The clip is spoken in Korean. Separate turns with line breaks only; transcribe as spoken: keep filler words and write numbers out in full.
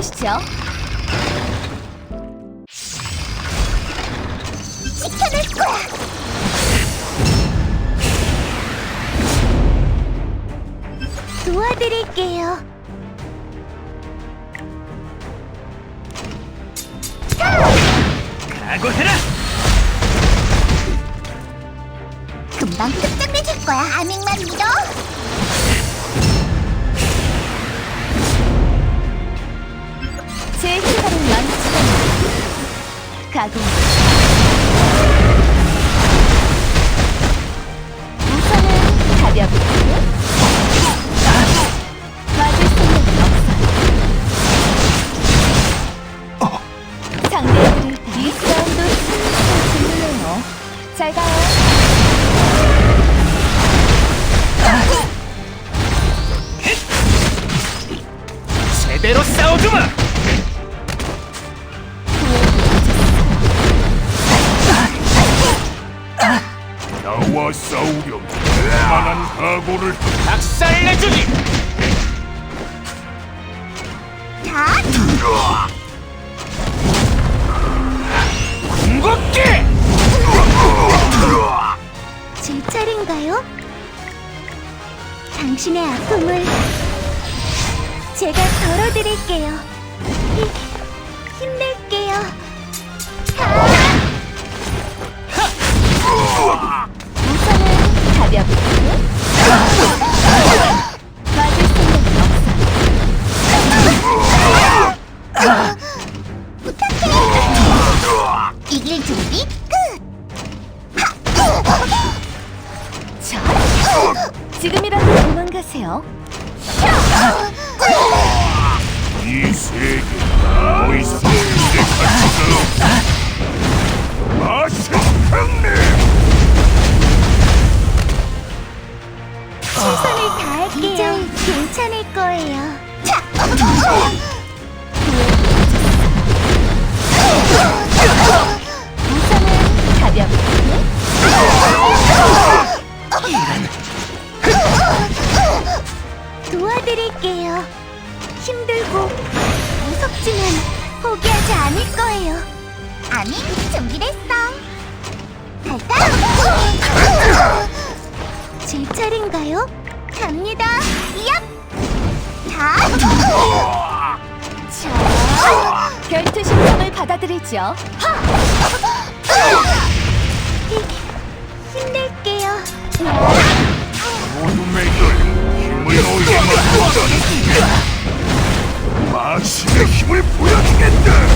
보시죠.
지켜낼 거야. 도와드릴게요.
각오해라!
금방 끝장내줄 거야. 아밍만 믿어.
제 희망은 완치. 가공. 우선은 가볍게. 맞을 생각은 없어. 상대들을 이 싸움도 슬슬 들리네요. 잘 가요.
제대로 싸워주마!
나와 싸우려면 만한 각오를
박살내주기!
자,
궁극기!
제 차례인가요? 당신의 아픔을 제가 덜어드릴게요. 힘, 힘낼게요.
우선은 가볍게. 맞을 생각은 없어.
부탁해. 이길 준비 끝.
자, 지금이라도 도망가세요.
이 세계 더 이상 내 가치가 없다. 마신 형님!
최선을 다할게요. 이제 괜찮을 거예요. 자,
우선은 가볍게.
도와드릴게요. 힘들고 무섭지만 포기하지 않을 거예요. 아니, 준비됐어. 갈까? 제 차례인가요? 갑니다. 얍! 자,
자, 결투 신청을 받아들이죠.
힘- 힘낼게요.
어둠의 열 힘을 얻게 만든다는 마신의 힘을 보여주겠다!